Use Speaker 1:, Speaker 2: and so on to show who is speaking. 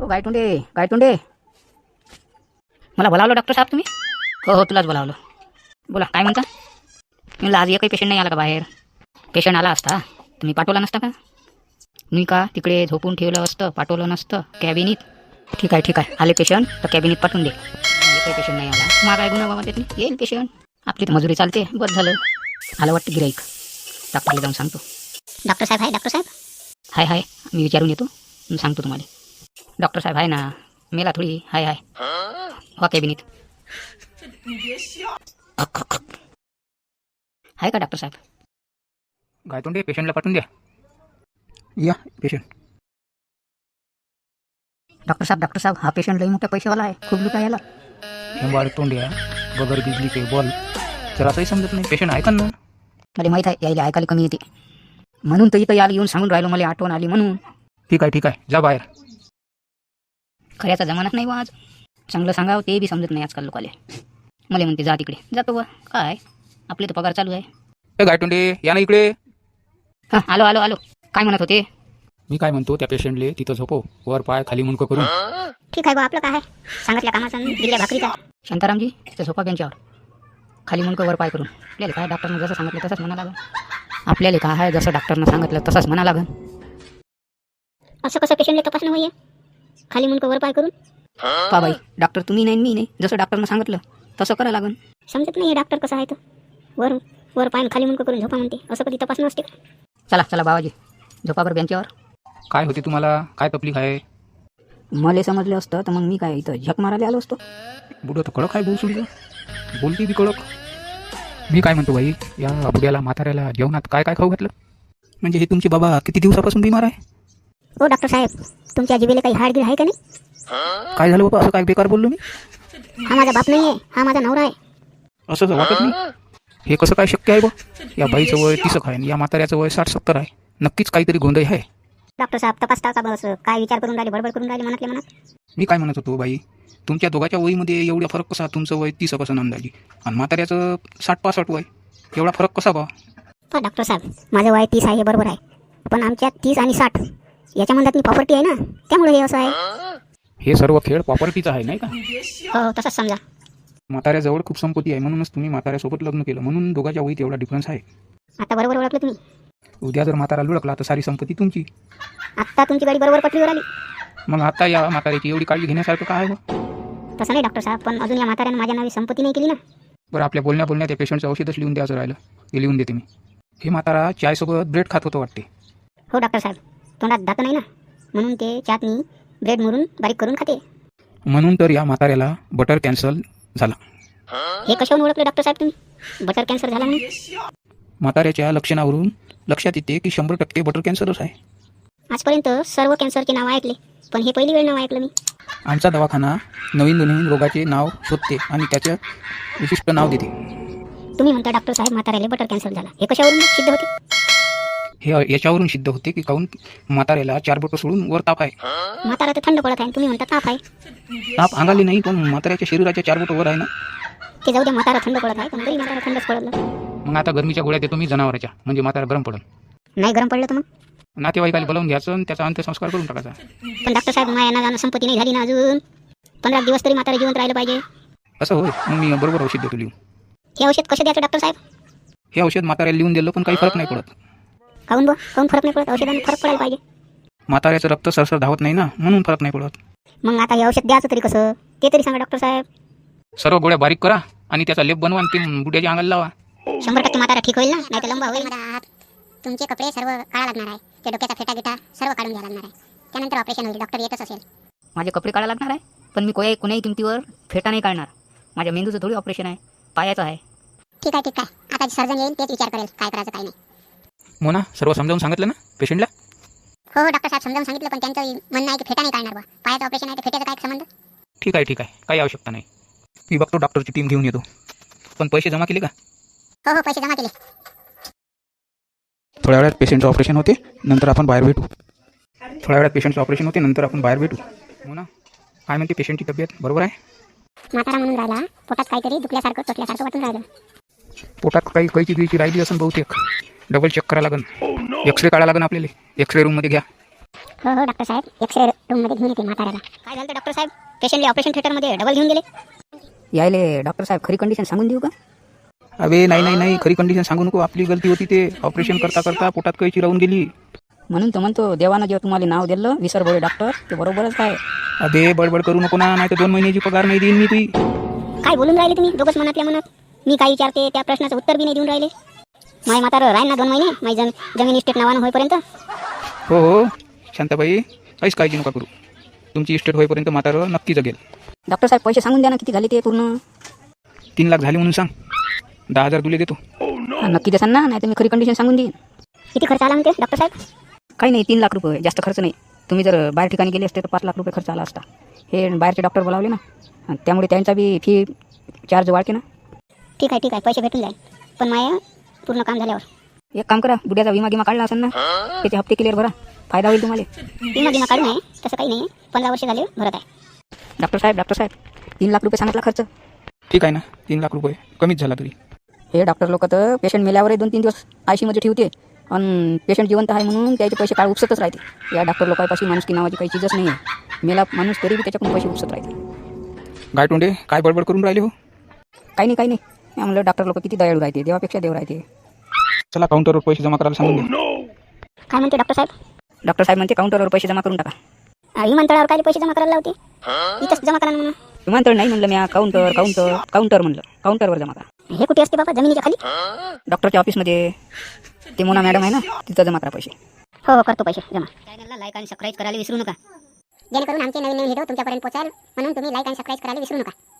Speaker 1: गायतोंडे गायतोंडे, मला बोलावलं डॉक्टर साहेब तुम्ही? हो हो, तुलाच बोलावलं. बोला, काय म्हणता? म्हणलं आज एकही पेशंट नाही आला का बाहेर? पेशंट आला असता तुम्ही पाठवला नसता का? मी का तिकडे झोपून ठेवलं असतं, पाठवलं नसतं कॅबिनीत? ठीक आहे, आले पेशंट तर कॅबिनीत पाठवून दे. एकही पेशंट नाही आला, मग काय गुन्हा बाबा त्यातली? येईल पेशंट, आपली तर मजुरी चालते. बस झालं. आलं वाटतं गिराईक. डॉक्टरला जाऊन सांगतो. डॉक्टर साहेब आहे? डॉक्टर साहेब हाय, मी विचारून येतो, मी सांगतो तुम्हाला. डॉक्टर साहेब आहे ना, मेला थोडी. हाय हो कॅबिनीत. आहे का डॉक्टर साहेब?
Speaker 2: गायतोंडे, पेशंटला पाठवून द्या. या पेशंट.
Speaker 1: डॉक्टर साहेब हा पेशंट लई मोठ्या पैशावाला आहे, खूप लुका याला.
Speaker 2: हेंबाळ तोंड्या, बगर बिजलीचे बॉल, जरासही समजत नाही. पेशंट ऐका ना.
Speaker 1: मला माहीत आहे यायला ऐकायला कमी येते, म्हणून तर इथं याला येऊन सांगून राहिलो, मला आठवण आली म्हणून.
Speaker 2: ठीक आहे, जा बाहेर.
Speaker 1: खऱ्याचा जमानाच नाही वा आज. चांगलं सांगावं ते बी समजत नाही आजकाल लोकाले. मला म्हणते जा तिकडे, जातो वा. काय आपले तर पगार चालू आहे.
Speaker 2: ए गायतोंडे, या ना इकडे.
Speaker 1: हां, आलो. काय म्हणत होते?
Speaker 2: मी काय म्हणतो, त्या पेशंटले तिथं झोपव, वर पाय खाली मुंडकं करून.
Speaker 1: ठीक आहे बा, आपलं काय आहे, सांगितल्या कामाचा दिल्या भाकरीचा. शांतारामजी, तिथं झोपा बेंचावर, खाली मुंडकं वर पाय करून. आपल्याला काय डॉक्टरनं जसं सांगितलं तसंच म्हणा लागेल. आपल्याला काय आहे, जसं डॉक्टरनं सांगितलं तसंच म्हणा लागेल. असं कसं पेशंटला तपासणं होईये खाली मुंडकं वर पाय करून? पा बाई, डॉक्टर तुम्ही नाही मी नाही, जसं डॉक्टरनं सांगितलं तसं करावं लागेल. समजत नाही हे डॉक्टर कसं आहे तर, वर पाय खाली मुंडकं करून झोपा म्हणते, असं कधी तपासणं असते का? चला बाबाजी, झोपा बरं बेंचावर.
Speaker 2: काय होते तुम्हाला? काय तकलीफ आहे?
Speaker 1: मला समजलं असतं तर मग मी काय इथं झक मारायला आलो असतो.
Speaker 2: बुडं तर कडक आहे, बोल सुडीचं, बोलती बी कडक. मी काय म्हणतो बाई, या बुड्याला म्हाताऱ्याला जेवणात काय खाऊ घातलं? म्हणजे हे तुमचे बाबा किती दिवसापासून बिमार आहे?
Speaker 1: हो डॉक्टर साहेब, तुमच्या जिभेला काही हाडगीर आहे का नाही?
Speaker 2: काय झालं बाबा, असं काय बेकार बोललो मी?
Speaker 1: हा माझा बाप नाही आहे, हा माझा नवरा आहे.
Speaker 2: असं तर वाटत नाही. हे कसं काय शक्य आहे बा? या बाईचं वय 30 आहे, या म्हाताऱ्याचं वय 60-70 आहे. नक्कीच काहीतरी गोंधळ आहे.
Speaker 1: डॉक्टर साहेब तपासता का बस? काय विचार करून राहिले, बडबड करून राहिले मनातल्या मनात?
Speaker 2: मी काय म्हणत होतो बाई, तुमच्या दोघांच्या वयीमध्ये एवढा फरक कसा? तुमचं वय 30 कसं अंदाजी, आणि म्हाताऱ्याचं 60-65 वय, एवढा फरक कसा बा?
Speaker 1: डॉक्टर साहेब, माझं वय 30 आहे बरोबर आहे, पण आमच्या 30 आणि 60 याच्या मनात मी प्रॉपर्टी आहे ना, त्यामुळे हे असं आहे.
Speaker 2: हे सर्व खेळ प्रॉपर्टीचा आहे नाही का?
Speaker 1: हो तसंच समजा.
Speaker 2: म्हाताऱ्याजवळ खूप संपत्ती आहे, म्हणूनच तुम्ही म्हाताऱ्यासोबत लग्न केलं, म्हणून दोघांच्या वयीत एवढा डिफरन्स आहे.
Speaker 1: आता बरोबर ओळखलं तुम्ही.
Speaker 2: उद्या जर म्हातारा लुडकला तर सारी संपत्ती तुमची.
Speaker 1: आता तुमची गाडी बरोबर पटरीवर आली.
Speaker 2: मग आता या म्हाताऱ्याची एवढी काळजी घेण्यासारखं काय आहे?
Speaker 1: तसं नाही डॉक्टर साहेब, पण अजून या म्हाताऱ्यानं माझ्या नावी संपत्ती नाही केली ना.
Speaker 2: बरं, आपल्या बोलण्यात त्या पेशंटचं औषधच लिहून द्यायचं राहिलं, हे लिहून देते मी. हे म्हातारा चायसोबत ब्रेड खात होतं वाटते.
Speaker 1: हो डॉक्टर साहेब, तोंडात दात नाही ना, म्हणून ते चाटणी ब्रेड मुरून बारीक करून खाते.
Speaker 2: म्हणून तर या म्हाताऱ्याला बटर कॅन्सर झाला.
Speaker 1: हे कशावरून ओळखलं डॉक्टर साहेब तुम्ही, बटर कॅन्सर झाला म्हणून?
Speaker 2: म्हाताऱ्याच्या लक्षणावरून लक्षात येते की 100% बटर कॅन्सरच आहे.
Speaker 1: आजपर्यंत सर्व कॅन्सरचे नाव ऐकले, पण हे पहिली वेळ नाव ऐकलं मी.
Speaker 2: आमचा दवाखाना नवीन रोगाचे नाव शोधते आणि त्याचं विशिष्ट नाव देते.
Speaker 1: तुम्ही म्हणता डॉक्टर साहेब म्हाताऱ्याला बटर कॅन्सर झाला, हे कशावरून सिद्ध होते?
Speaker 2: हे याच्यावरून सिद्ध होते की काहून म्हाताऱ्याला 4 बोटं सोडून वर ताप आहे.
Speaker 1: म्हातारा तर थंड पडत आहे, तुम्ही म्हणता ताप आहे.
Speaker 2: ताप अंगाली नाही, पण म्हाताऱ्याच्या शरीराच्या 4 बोटं वर आहे ना.
Speaker 1: ते जाऊ द्या, म्हातारा थंड पडत आहे, पण तरी म्हातारा थंडच पडलं.
Speaker 2: मग आता गरमीच्या गोळ्या देतो मी जनावराच्या, म्हणजे म्हातारा गरम पडल.
Speaker 1: नाही गरम पडलं तर मग
Speaker 2: नातेवाईकाला बोलावून घ्यायचं आणि त्याचा अंत्यसंस्कार करून टाकायचा.
Speaker 1: पण डॉक्टर साहेब, माझ्या जाणं संपत्ती नाही झाली ना अजून. 15 दिवस तरी म्हातारा जिवंत राहिलं पाहिजे.
Speaker 2: असं होय, मग मी बरोबर औषध देतो लिहून.
Speaker 1: हे औषध कसं द्यायचं डॉक्टर साहेब?
Speaker 2: हे औषध म्हाताऱ्याला लिहून दिलं पण काही फरक नाही पडत.
Speaker 1: काहून फरक नाही पडत? औषधाने फरक पडायला पाहिजे.
Speaker 2: म्हाताऱ्याचं रक्त सरसर धावत नाही ना, म्हणून फरक नाही पडत.
Speaker 1: मग आता हे औषध द्यायचं तरी कसं, ते तरी सांगा डॉक्टर साहेब.
Speaker 2: सर्व गोळ्या बारीक करा आणि त्याचा लेप बनवा आणि ते बुड्याच्या अंगाला लावा.
Speaker 1: 100% म्हातारा ठीक होईल ना, नाही तर लंबा होईल. तुमचे कपडे सर्व काढा लागणार आहे, ते डोक्याचा फेटा गिटा सर्व काढून घ्या लागणार आहे, त्यानंतर ऑपरेशन होईल. डॉक्टर येतच असेल. माझे कपडे काढा लागणार आहे, पण मी कोणाही किमतीवर फेटा नाही काढणार. माझ्या मेंदूचं थोडी ऑपरेशन आहे, पायाचं आहे. ठीक आहे. आता सर्जन येईल तेच विचार करेल काय करायचं काय नाही.
Speaker 2: मोना, सर्व समजावून सांगितलं ना पेशंटला?
Speaker 1: हो डॉक्टर साहेब, समजावून सांगितलं, पण त्यांचं म्हणणं आहे की फेटा नाही काढणार बा. पायाचं ऑपरेशन आहे तर फेट्याचा काय संबंध?
Speaker 2: ठीक आहे, काही आवश्यकता नाही. मी बघतो, डॉक्टरची टीम घेऊन येतो. पण पैसे जमा केले का?
Speaker 1: हो पैसे जमा केले.
Speaker 2: थोड्या वेळात पेशंटचं ऑपरेशन होते, नंतर आपण बाहेर भेटू. मोना, काय म्हणते पेशंटची तब्येत? बरोबर आहे?
Speaker 1: म्हातारा म्हणून राहिला, पोटात काहीतरी दुखल्यासारखं चोटल्यासारखं वाटून राहिलं.
Speaker 2: पोटात काही कैची गिळची राहिली असेल बहुतेक. डबल चेक करायला लागेल, एक्सरे काढायला लागेल आपल्याला. एक्सरे रूममध्ये घ्या.
Speaker 3: हो हो डॉक्टर साहेब एक्सरे रूममध्ये घेऊन येते म्हाताऱ्याला.
Speaker 1: काय झालं डॉक्टर साहेब? पेशंटला ऑपरेशन थिएटरमध्ये डबल घेऊन गेले. यायले डॉक्टर साहेब खरी कंडिशन सांगून देऊ का?
Speaker 2: अबे नाही खरी कंडिशन सांगू नको. आपली गलती होती. ते ऑपरेशन करता करता पोटात कैची राहून गेली.
Speaker 1: म्हणून तो म्हणतो देवानं जेव्हा तुम्हाला नाव दिलं विसर बोळे डॉक्टर, ते बरोबरच आहे.
Speaker 2: अबे बडबड करू नको ना, नाही तर 2 महिन्याची पगार नाही देईन मी तुझी.
Speaker 3: काय बोलून राहिले तुम्ही दोघंच मनातल्या मनात? मी काय विचारते त्या प्रश्नाचं उत्तर बी नाही देऊन राहिले. माय म्हातारं राहील ना 2 महिने माझी जमीन इस्टेट नावानं होईपर्यंत.
Speaker 2: हो शांताबाई, काहीच काळजी नका करू. तुमची इस्टेट होईपर्यंत म्हातारं नक्की जगेल.
Speaker 1: डॉक्टर साहेब पैसे सांगून द्या ना, किती झाले ते पूर्ण?
Speaker 2: 3 लाख झाले म्हणून सांग. 10,000 तुले देतो.
Speaker 1: नक्की देसान ना, नाही तर मी खरी कंडिशन सांगून देईन.
Speaker 3: किती खर्च आला म्हणते डॉक्टर साहेब?
Speaker 1: काही नाही, 3 लाख रुपये, जास्त खर्च नाही. तुम्ही जर बाहेर ठिकाणी गेले असते तर 5 लाख रुपये खर्च आला असता. हे बाहेरचे डॉक्टर बोलावले ना, आणि त्यामुळे त्यांचा बी फी चार्ज वाढते ना.
Speaker 3: ठीक आहे पैसे भेटून जाईल, पण माया पूर्ण काम झाल्यावर.
Speaker 1: एक काम करा, बुड्याचा विमा गिमा काढला असेल ना, त्याचे हप्ते क्लिअर भरा, फायदा होईल तुम्हाला.
Speaker 3: विमा काढून आहे तसं काही नाही, 15 वर्ष झाले भरत आहे.
Speaker 1: डॉक्टर साहेब 3 लाख रुपये सांगितला खर्च.
Speaker 2: ठीक आहे ना, 3 लाख रुपये कमीच झाला तरी.
Speaker 1: हे डॉक्टर लोक तर पेशंट मेल्यावर 2-3 दिवस आयसीमध्ये ठेवते, आणि पेशंट जिवंत आहे म्हणून त्याचे पैसे काढ उपसतच राहते. या डॉक्टर लोकांपाशी माणुसकी नावाची काही चीजच नाही आहे. मेला माणूस तरी बी त्याच्याकडून पैसे उपसत राहते.
Speaker 2: गाय तोंडे, काय बडबड करून राहिले हो?
Speaker 1: काही नाही मी म्हणलं डॉक्टर लोक किती दयाळू राहते, देवापेक्षा देव राहते.
Speaker 2: चला काउंटरवर पैसे जमा करायला सांगून द्या.
Speaker 3: काय म्हणते डॉक्टर साहेब?
Speaker 1: डॉक्टर साहेब म्हणते काउंटरवर पैसे जमा करून टाका.
Speaker 3: विमानतळावर काय पैसे जमा करायला लावते? इथंच जमा करा ना म्हणून.
Speaker 1: विमानतळ नाही म्हणलं मी, काउंटर म्हणलं, काउंटरवर जमा करा.
Speaker 3: हे कुठे असते बाबा, जमिनीच्या खाली?
Speaker 1: डॉक्टरच्या ऑफिसमध्ये ते मोना मॅडम आहे ना, तिथं जमा करा पैसे.
Speaker 3: हो करतो पैसे जमा.
Speaker 1: चॅनलला लाईक आणि सबस्क्राईब करायला विसरू नका.
Speaker 3: जेणेकरून आमचे नवीन व्हिडिओ तुमच्यापर्यंत पोहोचाल, म्हणून तुम्ही लाईक आणि सबस्क्राईब करायला विसरू नका.